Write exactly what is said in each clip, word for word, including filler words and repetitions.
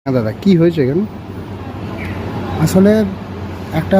হ্যাঁ দাদা, কি হয়েছে এখানে? আসলে একটা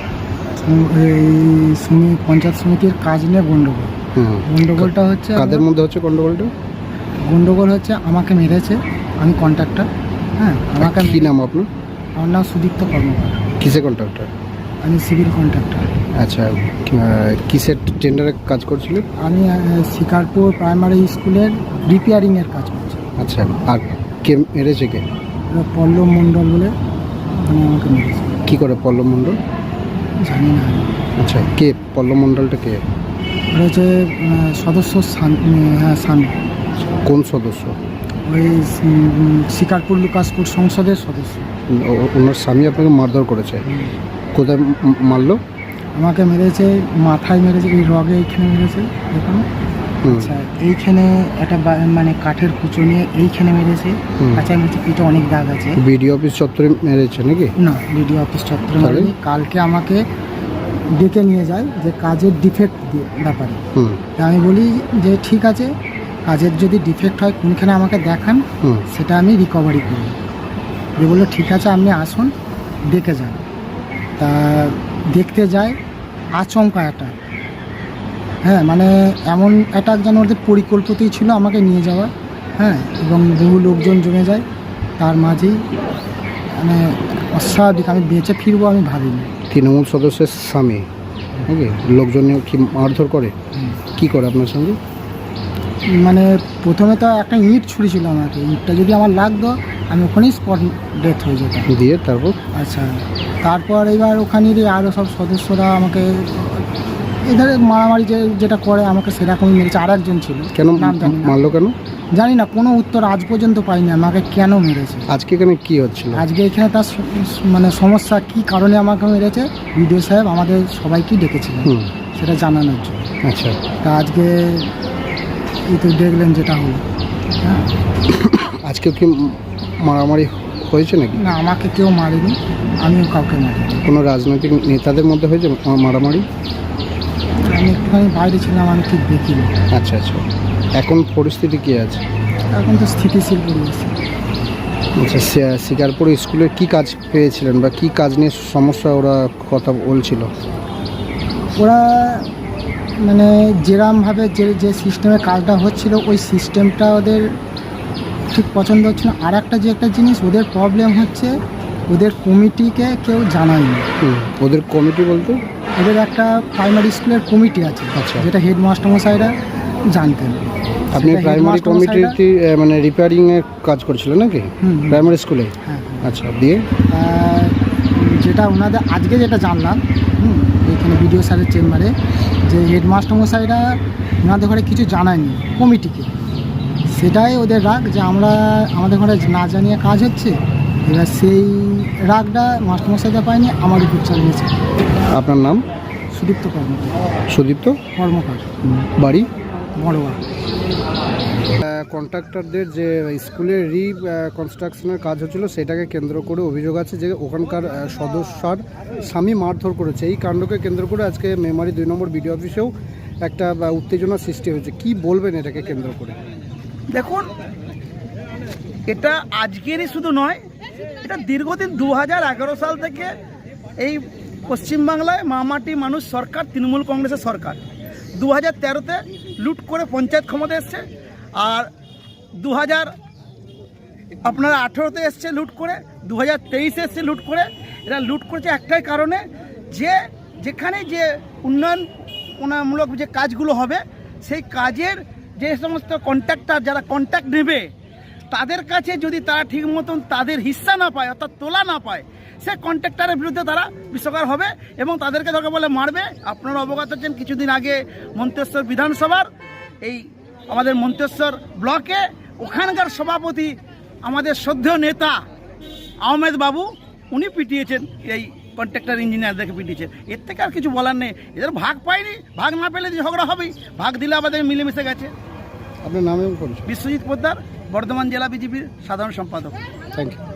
এই সমি- পঞ্চায়েত সমিতির কাজ নিয়ে গন্ডগোল। হুম। গন্ডগোলটা হচ্ছে কাদের মধ্যে হচ্ছে গন্ডগোলটা? গন্ডগোল হচ্ছে আমাকে মেরেছে, আমি কন্ট্রাক্টর। হ্যাঁ, আমাকে কি মেরে- নাম আপনার? আমার নাম সুদীপ্ত কর্মকার। কিসে কন্ট্রাক্টর? আমি সিভিল কন্ট্রাক্টর। আচ্ছা, আহ, কিসের টেন্ডারে কাজ করছিলেন? আমি আহ, শিকারপুর প্রাইমারি স্কুলের রিপেয়ারিংয়ের কাজ করছি। আচ্ছা, আর কে মেরেছে কে? এবার পল্লব মণ্ডল বলে মানে আমাকে মেরেছে। কি করে পল্লব মণ্ডল? জানি না আমি। আচ্ছা, কে পল্লব মণ্ডলটা কে? ওটা হচ্ছে আহ, সদস্য সান- উম, হ্যাঁ স্বামী। কোন সদস্য? ওই উম, শিকারপুর লুকাসপুর সংসদের সদস্য। ও- ওনার স্বামী আপনাকে মারধর করেছে? কোথায় ম- মারলো? আমাকে মেরেছে মাথায়, মেরেছে এই রগে, এইখানে মেরেছে এখানে। হুম। আচ্ছা, এইখানে একটা বা- মানে কাঠের কুচো নিয়ে এইখানে মেরেছে। হুম। আচ্ছা, মেরেছে, পিঠে অনেক দাগ আছে। বিডিও অফিস চত্বরে মেরেছে নাকি? না, বিডিও অফিস চত্বরে তাহলে? মারেনি। কালকে আমাকে ডেকে নিয়ে যায় যে কাজের ডিফেক্ট ব্যাপারে। হুম। তা আমি বলি যে ঠিক আছে, কাজের যদি ডিফেক্ট হয় কোনখানে আমাকে দেখান, হুম। সেটা আমি রিকভারি করি। যে বললো ঠিক আছে, আপনি আসুন, দেখে যান। তা দেখতে যায়, আচমকা একটা, হ্যাঁ মানে এমন অ্যাটাক যেন ওদের পরিকল্পিতই ছিল আমাকে নিয়ে যাওয়া। হ্যাঁ, এবং বহু লোকজন জমে যায়, তার মাঝেই মানে অস্বাভাবিক আমি বেঁচে ফিরবো আমি ভাবিনি। তৃণমূল সদস্যের স্বামী নাকি? লোকজন কি মারধর করে? কি করে আপনার সঙ্গে? মানে প্রথমে তো একটা ইঁট ছুঁড়েছিল আমাকে, ইঁটটা যদি আমার লাগতো আমি ওখানেই স্পট ডেথ হয়ে যেতাম। দিয়ে তারপর? আচ্ছা, তারপর এবার ওখানেরই আরও সব সদস্যরা আমাকে এদের মারামারি যে যেটা করে আমাকে সেরকমই মেরেছে। আর একজন ছিল, কেন নাম জানি না। মারলো কেন? জানি না, কোনো উত্তর আজ পর্যন্ত পাইনি আমাকে কেন মেরেছে। আজকে এখানে কি হচ্ছিল? আজকে এখানে তার স- মানে সমস্যা কি কারণে আমাকে মেরেছে, বিডিও সাহেব আমাদের সবাইকেই ডেকেছিলেন হুম। সেটা জানানোর জন্য। আচ্ছা, তা আজকে এই তো দেখলেন যেটা হলো। হ্যাঁ, আজকে কি মারামারি হয়েছে নাকি? না, আমাকে কেউ মারেনি, আমিও কাউকে মারিনি। কোনো রাজনৈতিক নেতাদের মধ্যে হয়েছে মা- মারামারি? আমি একটুখানি বাইরে ছিলাম, আমি ঠিক দেখিনি। আচ্ছা আচ্ছা, এখন পরিস্থিতি কি আছে? এখন তো স্থিতিশীল পরিবেশ। আচ্ছা, শি- শিকারপুর স্কুলে কি কাজ পেয়েছিলেন বা কি কাজ নিয়ে সমস্যা ওরা কথা বলছিল? ওরা মানে যেরমভাবে যে যে সিস্টেমে কাজটা হচ্ছিল ওই সিস্টেমটা ওদের ঠিক পছন্দ হচ্ছে না। আর একটা যে একটা জিনিস ওদের প্রবলেম হচ্ছে, ওদের কমিটিকে কেউ জানায়নি। হুম। ওদের কমিটি বলতে? ওদের একটা প্রাইমারি স্কুলের কমিটি আছে, আচ্ছা। যেটা হেডমাস্টারমশাইরা জানতেন। আপনি সেটা প্রাইমারি হেডমাস্টারমশাইরা- কমিটিতে মানে রিপেয়ারিং এর কাজ করছিলেন নাকি? হুম, হুম। প্রাইমারি স্কুলে? হ্যাঁ, আচ্ছা, দিয়ে? আর যেটা ওনাদের আজকে যেটা জানলাম, হুম, এইখানে বিডিও স্যারের চেম্বারে, যে হেডমাস্টারমশাইরা ওনাদের ঘরে কিছু জানায়নি কমিটিকে। সেটাই ওদের রাগ, যে আমরা আমাদের ঘরে না জানিয়ে কাজ হচ্ছে। এবার সেই রাগটা মাস্টারমশাইটা পায়নি, আমার উপর চালিয়েছে। আপনার নাম? সুদীপ্ত কর্মকার। সুদীপ্ত কর্মকার বাড়ি? বড়োয়া। কন্ট্রাক্টরদের যে স্কুলের রি কনস্ট্রাকশনের কাজ হচ্ছিল সেটাকে কেন্দ্র করে অভিযোগ আছে যে ওখানকার আহ, সদস্যার স্বামী মারধর করেছে। এই কাণ্ডকে কেন্দ্র করে আজকে মেমারি দুই নম্বর বিডিও অফিসেও একটা আহ, উত্তেজনার সৃষ্টি হয়েছে। কি বলবেন এটাকে কেন্দ্র করে? দেখুন, এটা আজকেরই শুধু নয়, এটা দীর্ঘদিন দু হাজার এগারো সাল থেকে এই পশ্চিমবাংলায় মামাটি মানুষ সরকার, তৃণমূল কংগ্রেসের সরকার দু হাজার তেরোতে লুট করে পঞ্চায়েত ক্ষমতা এসছে, আর দু হাজার আপনারা আঠেরোতে এসছে লুট করে, দু হাজার তেইশে এসছে লুট করে। এরা লুট করেছে একটাই কারণে, যে যেখানে যে উন্নয়নমূলক যে কাজগুলো হবে সেই কাজের যে সমস্ত কন্ট্রাক্টর যারা কন্ট্রাক্ট নেবে তাদের কাছে যদি তারা ঠিক মতন তাদের হিস্সা না পায়, অর্থাৎ তোলা না পায়, সে কন্ট্রাক্টরের বিরুদ্ধে তারা বিশ্বকার হবে এবং তাদেরকে দরকার বলে মারবে। আপনারা অবগত আছেন, কিছুদিন আগে মন্তেশ্বর বিধানসভার এই আমাদের মন্তেশ্বর ব্লকে ওখানকার সভাপতি আমাদের শ্রদ্ধেয় নেতা আহমেদ বাবু, উনি পিটিয়েছেন এই কন্ট্রাক্টর ইঞ্জিনিয়ারদেরকে পিটিয়েছেন। এর থেকে আর কিছু বলার নেই। এদের ভাগ পায়নি, ভাগ না পেলে ঝগড়া হবেই, ভাগ দিলে আমাদের মিলেমিশে গেছে। আপনার নাম এবং পরিচয়? বিশ্বজিৎ পোদ্দার, বর্ধমান জেলা বিজেপির সাধারণ সম্পাদক। Thank you.